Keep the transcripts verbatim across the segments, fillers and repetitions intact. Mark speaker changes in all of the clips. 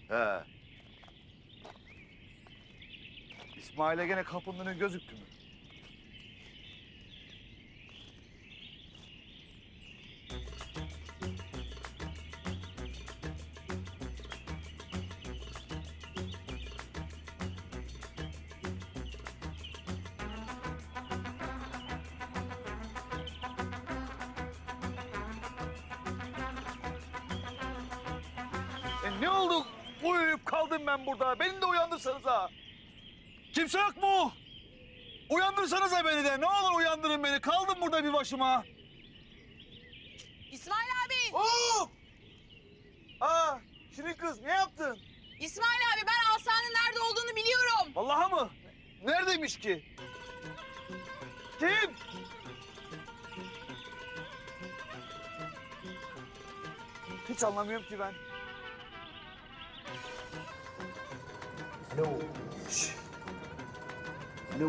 Speaker 1: He. İsmail'e gene kapının önü gözüktü mü? E ne oldu? Uyuyup kaldım ben burada. Beni de uyandırsanız ha. Kimse yok mu? Uyandırsanıza beni de. Ne olur uyandırın beni. Kaldım burada bir başıma.
Speaker 2: İsmail abi!
Speaker 1: Oo! Aa, Şirin kız ne yaptın?
Speaker 2: İsmail abi ben Asa'nın nerede olduğunu biliyorum.
Speaker 1: Vallahi mı? Neredeymiş ki? Kim? Hiç anlamıyorum ki ben.
Speaker 3: Alo. Şş. Alo.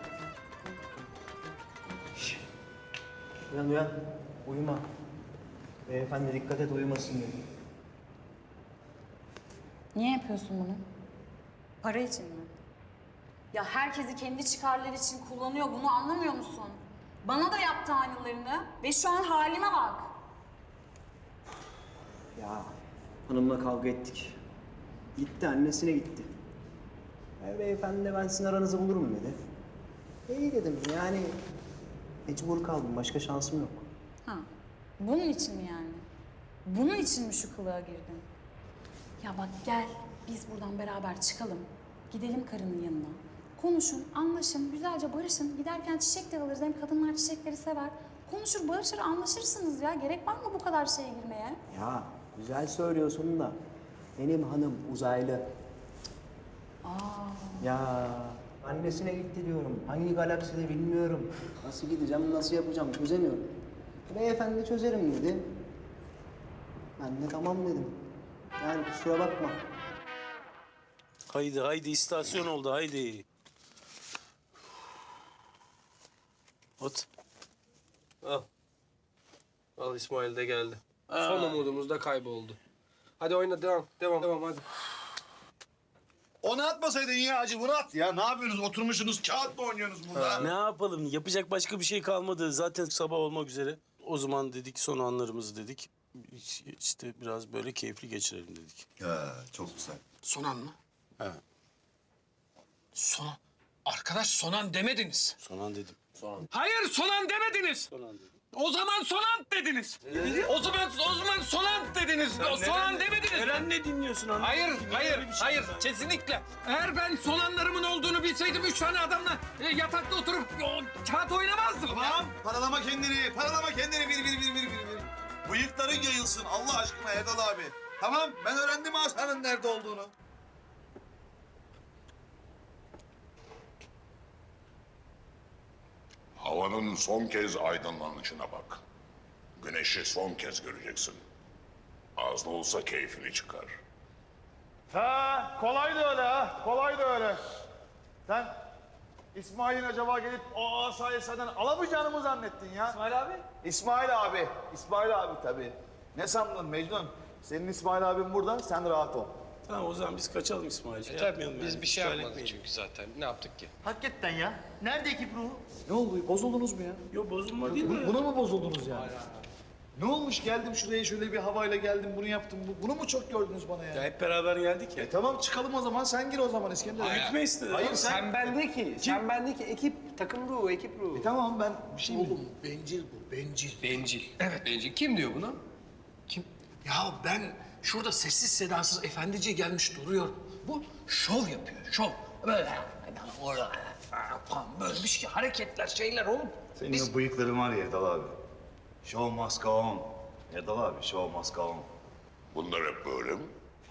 Speaker 3: Şş. Uyan uyan. Uyuma. Beyefendi dikkat et uyumasın dedi.
Speaker 4: Niye yapıyorsun bunu? Para için mi? Ya herkesi kendi çıkarları için kullanıyor, bunu anlamıyor musun? Bana da yaptı aynılarını ve şu an halime bak.
Speaker 3: Ya hanımla kavga ettik. Gitti annesine gitti. E, beyefendi de ben sizin aranızı bulurum dedi. İyi dedim yani mecbur kaldım başka şansım yok.
Speaker 4: Ha, bunun için mi yani? Bunun için mi şu kılığa girdin? Ya bak gel, biz buradan beraber çıkalım. Gidelim karının yanına. Konuşun, anlaşın, güzelce barışın. Giderken çiçek de alırız. Hem kadınlar çiçekleri sever. Konuşur, barışır, anlaşırsınız ya. Gerek var mı bu kadar şeye girmeye?
Speaker 3: Ya güzel söylüyorsun da benim hanım uzaylı.
Speaker 4: Aa.
Speaker 3: Ya annesine gitti diyorum. Hangi galakside bilmiyorum. Nasıl gideceğim, nasıl yapacağım çözemiyorum. Beyefendi çözerim dedi. Ben de tamam dedim. Yani kusura bakma.
Speaker 5: Haydi haydi istasyon oldu haydi. Ot.
Speaker 6: Al. Al İsmail de geldi. Son umudumuz da kayboldu. Hadi oyna devam. Devam. Devam hadi.
Speaker 1: Onu atmasaydın ya acı bunu at ya. Ne yapıyorsunuz? Oturmuşsunuz kağıt mı oynuyorsunuz burada?
Speaker 5: Ne yapalım? Yapacak başka bir şey kalmadı. Zaten sabah olmak üzere. O zaman dedik son anlarımızı dedik. İşte biraz böyle keyifli geçirelim dedik.
Speaker 1: He, çok güzel.
Speaker 7: Sonan mı?
Speaker 5: He.
Speaker 7: Sonan. Arkadaş Sonan demediniz.
Speaker 5: Son an dedim.
Speaker 7: Hayır Sonan demediniz.
Speaker 5: Son an dedim.
Speaker 7: O zaman Sonan dediniz. O zaman o zaman Sonan dediniz. O Sonan demediniz.
Speaker 5: Eren ne dinliyorsun anladın?
Speaker 7: Hayır,
Speaker 5: mı?
Speaker 7: hayır,
Speaker 5: Böyle bir şey
Speaker 7: hayır.
Speaker 5: var.
Speaker 7: Kesinlikle. Eğer ben Sonanlarımın olduğunu bilseydim üç tane adamla e, yatakta oturup o, kağıt oynamazdım.
Speaker 1: Tamam, paralama kendini, paralama kendini bir bir bir bir bir bir. Bıyıkların yayılsın Allah aşkına Erdal abi. Tamam, ben öğrendim Asa'nın nerede olduğunu.
Speaker 8: Havanın son kez aydınlanışına bak. Güneşi son kez göreceksin. Az da olsa keyfini çıkar.
Speaker 1: Ha, kolay da öyle ha, kolay da öyle. Sen İsmail'in acaba gelip o asayı senden alamayacağını mı zannettin ya? İsmail abi? İsmail abi, İsmail abi tabii. Ne sandın Mecnun? Senin İsmail abin burada, sen rahat ol.
Speaker 5: Tamam o zaman biz kaçalım İsmail. Şey
Speaker 6: Tabii
Speaker 5: yapmayalım
Speaker 6: biz
Speaker 5: yani.
Speaker 6: bir şey
Speaker 5: İşgal
Speaker 6: yapmadık
Speaker 5: etmeyelim.
Speaker 6: çünkü zaten. Ne yaptık ki?
Speaker 9: Hakikaten ya. Nerede ekip ruhu?
Speaker 1: Ne oldu, bozuldunuz mu ya?
Speaker 5: Yok bozulma değil mi?
Speaker 1: Buna mı bozuldunuz yani? Ne olmuş geldim şuraya şöyle bir havayla geldim bunu yaptım. Bu- Bunu mu çok gördünüz bana ya?
Speaker 5: Ya hep beraber geldik ya.
Speaker 1: E tamam çıkalım o zaman sen gir o zaman İskender.
Speaker 5: Gitme istedi.
Speaker 1: Hayır
Speaker 5: Hayır,
Speaker 1: sen...
Speaker 6: Sen bendeki, sen bendeki ekip, takım ruhu, ekip ruhu.
Speaker 1: E, tamam ben bir şey mi?
Speaker 9: Oğlum bencil bu, bencil.
Speaker 6: Bencil. Evet. Bencil. Kim diyor bunu?
Speaker 9: Kim? Ya ben şurada sessiz sedasız efendice gelmiş duruyor. Bu şov yapıyor, şov. Böyle orada falan böyle bir şey, hareketler, şeyler oğlum.
Speaker 1: Senin
Speaker 9: Biz-
Speaker 1: o bıyıkların var ya Erdal abi. Show must go on. Erdal abi show must go on.
Speaker 8: Bunlar hep böyle mi?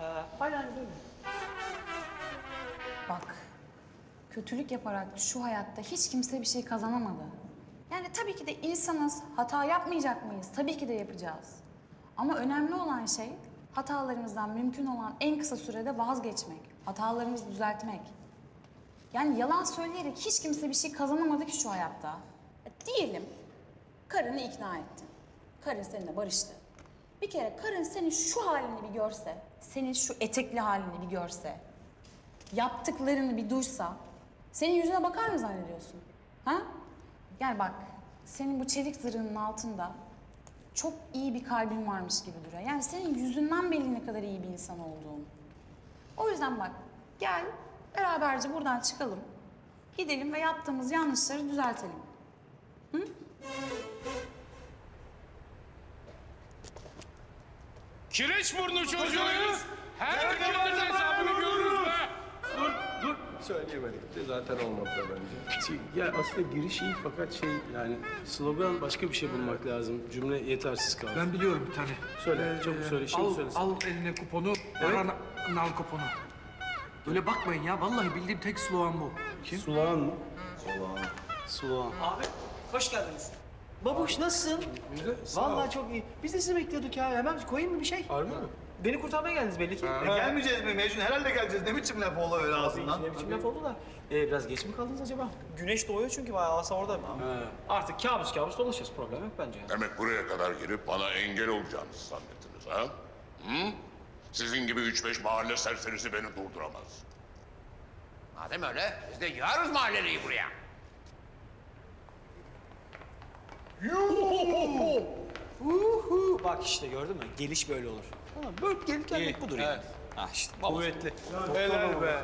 Speaker 4: Bak, kötülük yaparak şu hayatta hiç kimse bir şey kazanamadı. Yani tabii ki de insanız, hata yapmayacak mıyız? Tabii ki de yapacağız. Ama önemli olan şey hatalarımızdan mümkün olan en kısa sürede vazgeçmek, hatalarımızı düzeltmek. Yani yalan söyleyerek hiç kimse bir şey kazanamadı ki şu hayatta. E, diyelim karını ikna ettin. Karın seninle barıştı. Bir kere karın senin şu halini bir görse, senin şu etekli halini bir görse, yaptıklarını bir duysa, senin yüzüne bakar mı zannediyorsun? Ha? Gel bak, senin bu çelik zırhının altında çok iyi bir kalbin varmış gibi duruyor. Yani senin yüzünden belli ne kadar iyi bir insan olduğun. O yüzden bak, gel beraberce buradan çıkalım. Gidelim ve yaptığımız yanlışları düzeltelim.
Speaker 7: Kireçburnu çocuğuyuz. Her dükkanın hesabını görürüz be.
Speaker 6: Dur, dur. Söyleyemedik de zaten olmadı da bence.
Speaker 5: Şey, ya aslında giriş iyi fakat şey yani slogan başka bir şey bulmak lazım. Cümle yetersiz kaldı.
Speaker 9: Ben biliyorum bir tane.
Speaker 5: Söyle, çabuk söyle, şimdi
Speaker 9: al,
Speaker 5: söylesin.
Speaker 9: al eline kuponu, ara na- nal kuponu. Öyle bakmayın ya, vallahi bildiğim tek slogan bu. Kim?
Speaker 5: Sulağan mı? Sulağan. Sulağan.
Speaker 3: Abi hoş geldiniz. Babuş nasılsın?
Speaker 6: Güzel. sağ ol.
Speaker 3: Vallahi çok iyi. Biz de sizi bekliyorduk ya. Hemen koyayım mı bir şey?
Speaker 6: Harbi mi?
Speaker 3: Beni kurtarmaya geldiniz belli ki.
Speaker 1: E, gelmeyeceğiz mi Mecnun? Herhalde geleceğiz. Ne biçim laf oldu öyle ağzından?
Speaker 3: Ne biçim laf oldu da. Ee, biraz geç mi kaldınız acaba? Güneş doğuyor çünkü bayağı asa orada. Artık kabus kabus dolaşırız. Problem yok bence.
Speaker 8: Demek buraya kadar gelip bana engel olacağınızı zannettiniz ha? Hı? Sizin gibi üç beş mahalle serserisi beni durduramaz.
Speaker 10: Madem öyle biz de yığarız mahalleliyi buraya.
Speaker 3: Uhu. Bak işte gördün mü? Geliş böyle olur. Tamam, böyle gelip gelmek budur yani. Ah işte. Kuvvetli.
Speaker 1: Helal be.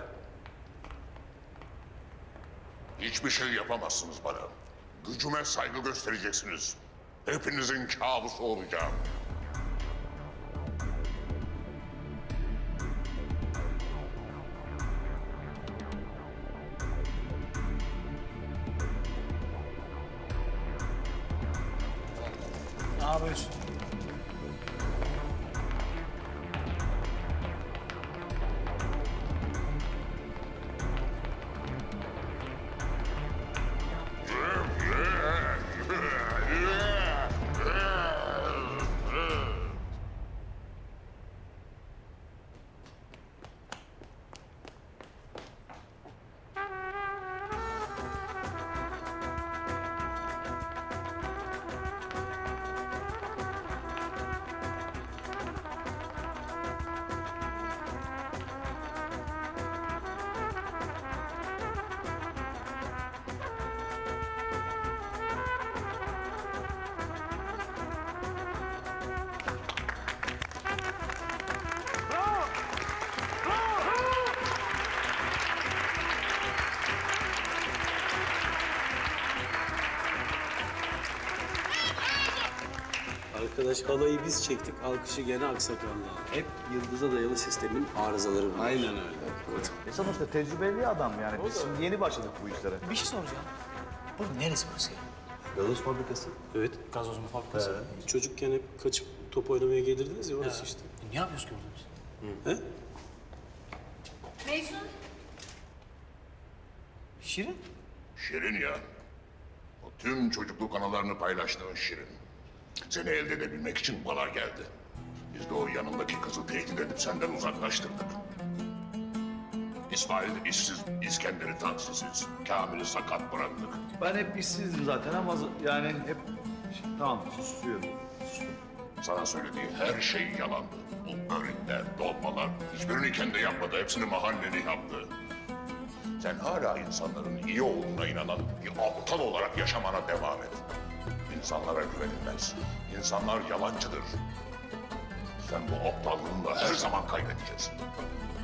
Speaker 8: Hiçbir şey yapamazsınız bana. Gücüme saygı göstereceksiniz. Hepinizin kabusu olacağım.
Speaker 3: Ne yapıyorsun?
Speaker 5: Arkadaş halayı biz çektik, alkışı gene aksakallı. Hep yıldıza dayalı sistemin arızaları bunlar. Aynen öyle.
Speaker 1: E sonuçta tecrübeli adam yani. Biz şimdi yeni başladık bu işlere.
Speaker 3: Bir şey soracağım. Burada neresi burası ya?
Speaker 5: Gazoz fabrikası. Evet.
Speaker 3: Gazoz mu fabrikası?
Speaker 5: Çocukken hep kaçıp top oynamaya gelirdiniz ya orası işte.
Speaker 3: Ne yapıyoruz ki burada biz?
Speaker 5: He?
Speaker 2: Mecnun.
Speaker 3: Şirin?
Speaker 8: Şirin ya. O tüm çocukluk anılarını paylaştığın Şirin. Seni elde edebilmek için bana geldi. Biz de o yanındaki kızı tehdit edip senden uzaklaştırdık. İsmail işsiz, İskender'i taksisiz, Kamil'i sakat bıraktık.
Speaker 1: Ben hep işsizdim zaten ama yani hep... Tamam susuyorum.
Speaker 8: Sana söylediği her şey yalandı. Bu börekler, dolmalar, hiçbirini kendi yapmadı, hepsini mahalleli yaptı. Sen hala insanların iyi olduğuna inanan bir aptal olarak yaşamana devam et. İnsanlara güvenilmez. İnsanlar yalancıdır. Sen bu aptallığınla her zaman kaybedeceksin.